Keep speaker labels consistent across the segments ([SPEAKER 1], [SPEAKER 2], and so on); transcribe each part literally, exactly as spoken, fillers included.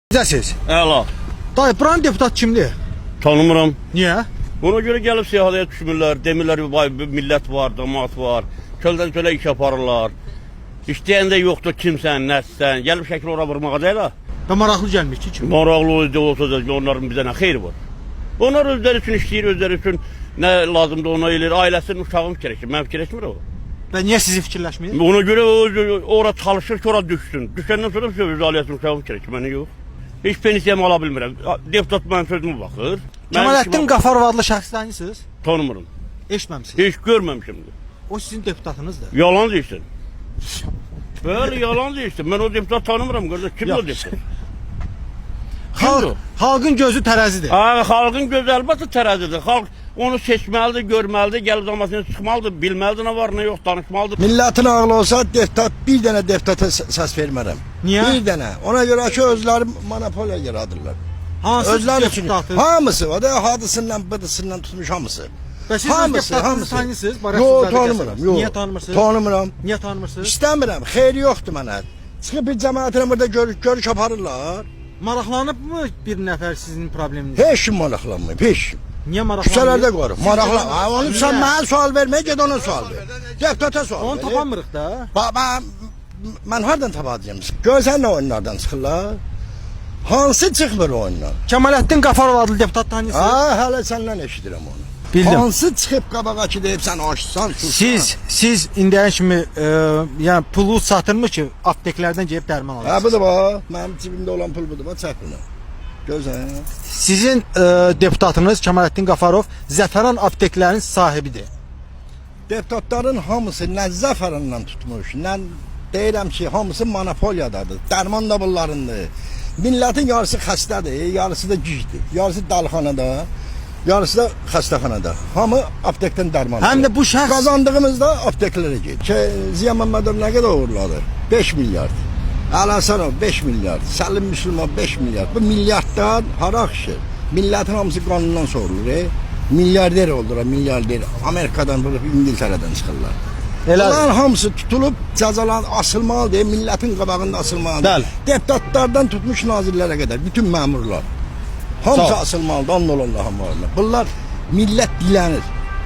[SPEAKER 1] Necəsiz?
[SPEAKER 2] Əla.
[SPEAKER 1] Dayı, buranın deputat kimdir?
[SPEAKER 2] Tanımıram.
[SPEAKER 1] Niyə?
[SPEAKER 2] Ona görə gəlib siyahıya düşmürlər. Demirlər vay millət var, damat var. Köldən kölə iş yaparlar. İstəyən də yoxdur kimsən, nəsən. Gəlib şəkil ora vurmağa deyil ha.
[SPEAKER 1] Və maraqlı gəlmir ki kim?
[SPEAKER 2] Maraqlı olsa da onların bizə nə xeyri var. Onlar özləri üçün işləyir, özləri üçün nə lazımdır ona eləyir. Ailəsinin uşağını fikirləşir. Mən fikirləşmir o.
[SPEAKER 1] Və niyə sizi fikirləşmir?
[SPEAKER 2] Ona görə o ora çalışır ki, ora düşsün. Düşəndən sonra öz ailəsinin uşağını fikirləşir. Mənə yox. Heç pensiyamı ala bilmirəm. Deputat mənim sözümə baxır.
[SPEAKER 1] Kemalettin Qafarov adlı şəxs tanıyırsınız?
[SPEAKER 2] Tanımıram.
[SPEAKER 1] Eşitməmisiniz?
[SPEAKER 2] Heç görməmişimdir.
[SPEAKER 1] O sizin deputatınızdır.
[SPEAKER 2] Yalan deyirsən. Bəli, yalan deyirsən. Mən o deputat tanımıram qardaş. Kimdir o deputat?
[SPEAKER 1] Xalq, xalqın gözü tərəzidir.
[SPEAKER 2] Ha, xalqın gözü əlbəttə tərəzidir. Xalq onu seçməlidir, görməlidir, gəlib damasını çıxmalıdır, bilməlidir nə var, nə yox, danışmalıdır.
[SPEAKER 3] Milletin ağlı olsa deputat, bir dənə deputata səs vermərəm.
[SPEAKER 1] Niyə?
[SPEAKER 3] Bir dənə. Ona görə ki, özləri monopoliya yaradırlar.
[SPEAKER 1] Hansı
[SPEAKER 3] Özləri üçün.
[SPEAKER 1] deputatı?
[SPEAKER 3] Hamısı, o da hadısından, bıdısından tutmuş hamısı.
[SPEAKER 1] Və siz öz deputatınızı tanıyırsınız?
[SPEAKER 3] Yox, tanımıram. Yox.
[SPEAKER 1] Niyə tanımırsınız?
[SPEAKER 3] Tanımıram.
[SPEAKER 1] Niyə tanımırsınız?
[SPEAKER 3] İstəmirəm, xeyri yoxdur mənə. Çıxıb bir cəmaatına burada görüş, görüş aparırlar.
[SPEAKER 1] Maraqlanıb mı bir nəfər sizin probleminiz?
[SPEAKER 3] Heç kim maraqlanmıyor, heç kim.
[SPEAKER 1] Niyə maraqlanmır?
[SPEAKER 3] Küçələrdə qoruq, maraqlan. Ha, onu sən mənə sual verməyə ged ona sual ver. Deputata sual ver.
[SPEAKER 1] Onu tapamırıq da.
[SPEAKER 3] Bax, mən, mən hardan tapacağım? Görsən nə oyunlardan çıxırlar? Hansı çıxmır oyunlar?
[SPEAKER 1] Kemalettin Qafarov adlı deputat tanıyırsınız?
[SPEAKER 3] Ha, hələ səndən eşidirəm onu.
[SPEAKER 1] Bildim.
[SPEAKER 3] Hansı çıxıb qabağa ki deyib sən açsan, sussan.
[SPEAKER 1] Siz, siz indiyə kimi e, yəni pulu satırmı ki, apteklərdən gəlib dərman
[SPEAKER 3] Ha,
[SPEAKER 1] alırsınız?
[SPEAKER 3] budur bax, mənim cibimdə olan pul budur, bax, çək bunu. Gözən.
[SPEAKER 1] Sizin e, deputatınız Kemalettin Qafarov Zəfəran apteklərinin sahibidir.
[SPEAKER 3] Deputatların hamısı nə zəfərindən tutmuş, nə deyirəm ki, hamısı monopoliyadadır, dərman da bunlarındır. Millətin yarısı xəstədir, yarısı da gicdir, yarısı dalxanada, yarısı da xəstəxanada. Hamı aptekdən dərman alır.
[SPEAKER 1] Həm də bu şəxs
[SPEAKER 3] Qazandığımızda apteklərə gedir. Ki, Ziya Məmmədov nə qədər uğurladı? beş milyard. Əl-Həsənov beş milyard. Səlim Müslüman beş milyard. Bu milyarddan hara axışır? Millətin hamısı qanundan sorulur. E? Milyarder oldular, milyarder. Amerikadan, İngiltərədən çıxırlar.
[SPEAKER 1] Elə-
[SPEAKER 3] Bunların hamısı tutulub cəzalan asılmalıdır, millətin qabağında asılmalıdır.
[SPEAKER 1] Bəli.
[SPEAKER 3] Deputatlardan tutmuş nazirlərə qədər, bütün məmurlar. Hamısı
[SPEAKER 1] Sağ ol.
[SPEAKER 3] asılmalıdır, and olun Allah'ın varına. Bunlar millət dilənir.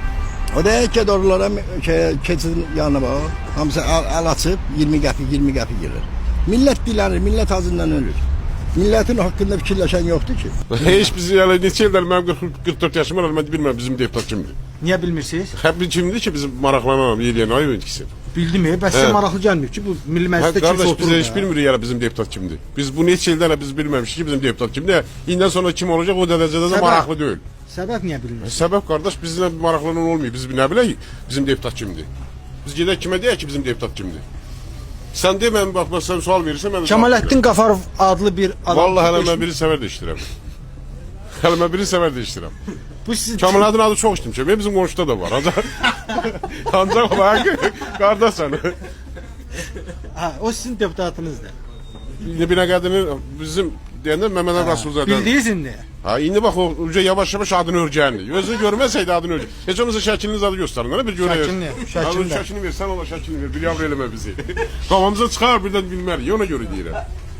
[SPEAKER 3] O da ki, doğrulara keçidin yanına bax, hamısı əl, əl açıb iyirmi qəpik, iyirmi qəpik girir. Millət dilənir, millət azından ölür. Millətin haqqında fikirləşən yoxdur ki.
[SPEAKER 4] Heç biz yəni neçə ildir mənim qırx qırx dörd yaşım var, mən bilmirəm bizim deputat kimdir.
[SPEAKER 1] niyə bilmirsiniz?
[SPEAKER 4] Hep bir kimdir ki bizim maraqlanamam yeləyən ay ikisi.
[SPEAKER 1] Bildim ya, bəs sizə
[SPEAKER 4] Hə.
[SPEAKER 1] maraqlı gəlmir ki, bu milli
[SPEAKER 4] Hə,
[SPEAKER 1] məclisdə kimsə
[SPEAKER 4] qardaş biz
[SPEAKER 1] oturur.
[SPEAKER 4] heç bilmirik yəni bizim deputat kimdir. Biz bu neçə ildən biz bilməmişik ki bizim deputat kimdir. İndən sonra kim olacaq o dərəcədə də
[SPEAKER 1] Səbəb?
[SPEAKER 4] maraqlı deyil.
[SPEAKER 1] Səbəb niyə bilmirsiniz?
[SPEAKER 4] Səbəb qardaş bizlə maraqlanan olmuyor. Biz nə bilək bizim deputat kimdir. Biz gedək kimə deyək ki bizim deputat kimdir. Sən de mən bax sən sual verirsən mən.
[SPEAKER 1] Kemalettin Qafarov adlı bir adam.
[SPEAKER 4] Vallahi hələ mən biri səvər dəyişdirəm. Hələ mən biri səvər dəyişdirəm.
[SPEAKER 1] Bu sizin
[SPEAKER 4] Kemalettin adı çox işləmişəm. Bizim qonşuda da var. Ancaq ancaq olarak qardaş sən.
[SPEAKER 1] ha, o sizin deputatınızdır.
[SPEAKER 4] İndi bir qədini bizim deyəndə Məmməd Rasulzadə.
[SPEAKER 1] Bildiniz indi.
[SPEAKER 4] Ha indi bax o uca yavaş-yavaş adını örgəndi. Özünü görməsəydi adını örgə. Heç olmasa şəkliniz adı göstərin. Nə bir görək.
[SPEAKER 1] Şəklini, şəklini.
[SPEAKER 4] Şəklini ver, sən ona şəklini ver. Bir yavr eləmə bizi. Qafamıza çıxar birdən bilmərik. Ona görə deyirəm.